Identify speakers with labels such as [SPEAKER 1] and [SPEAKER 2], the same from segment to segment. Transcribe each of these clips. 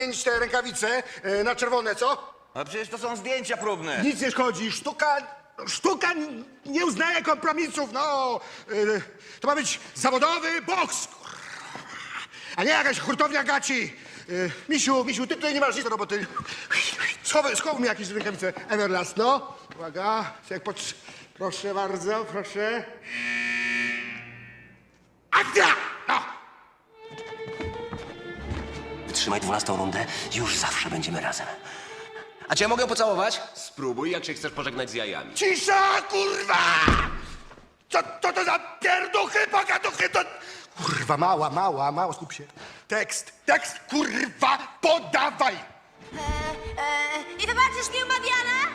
[SPEAKER 1] te rękawice na czerwone, co?
[SPEAKER 2] A przecież to są zdjęcia próbne.
[SPEAKER 1] Nic nie szkodzi, sztuka nie uznaje kompromisów, no. To ma być zawodowy boks, kurwa. A nie jakaś hurtownia gaci. Misiu, ty tutaj nie masz nic do roboty. Schowaj mi jakieś rękawice Everlast, no. Uwaga, proszę bardzo, proszę. Akcja! No.
[SPEAKER 3] Wytrzymaj 12 rundę, już zawsze będziemy razem. A cię mogę pocałować?
[SPEAKER 4] Spróbuj, jak się chcesz pożegnać z jajami.
[SPEAKER 1] Cisza, kurwa! Co to za pierduchy, pogaduchy, to... Kurwa, mała, skup się. Tekst, kurwa, podawaj!
[SPEAKER 5] I wybaczysz mi umawiana?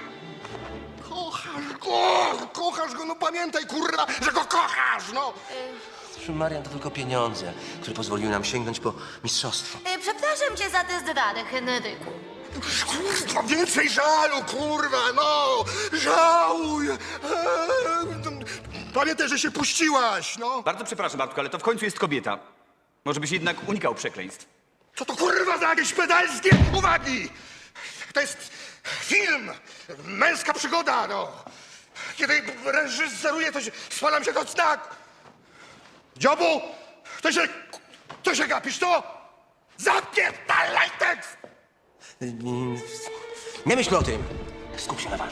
[SPEAKER 1] Kochasz go, no pamiętaj, kurwa, że go kochasz, no!
[SPEAKER 3] Marian, to tylko pieniądze, które pozwoliły nam sięgnąć po mistrzostwo.
[SPEAKER 5] Przepraszam cię za te zdrady, Henryku.
[SPEAKER 1] Kurwa, więcej żalu, kurwa, no! Żałuj! Pamiętaj, że się puściłaś, no!
[SPEAKER 2] Bardzo przepraszam, Bartku, ale to w końcu jest kobieta. Może byś jednak unikał przekleństw.
[SPEAKER 1] Co to kurwa za jakieś pedalskie uwagi? To jest film, męska przygoda, no. Kiedy reżyseruję, to się, spalam się do znak. Dziobu, to się gapisz, to? Zapierdalaj tekst!
[SPEAKER 3] Nie myśl o tym. Skup się na walce.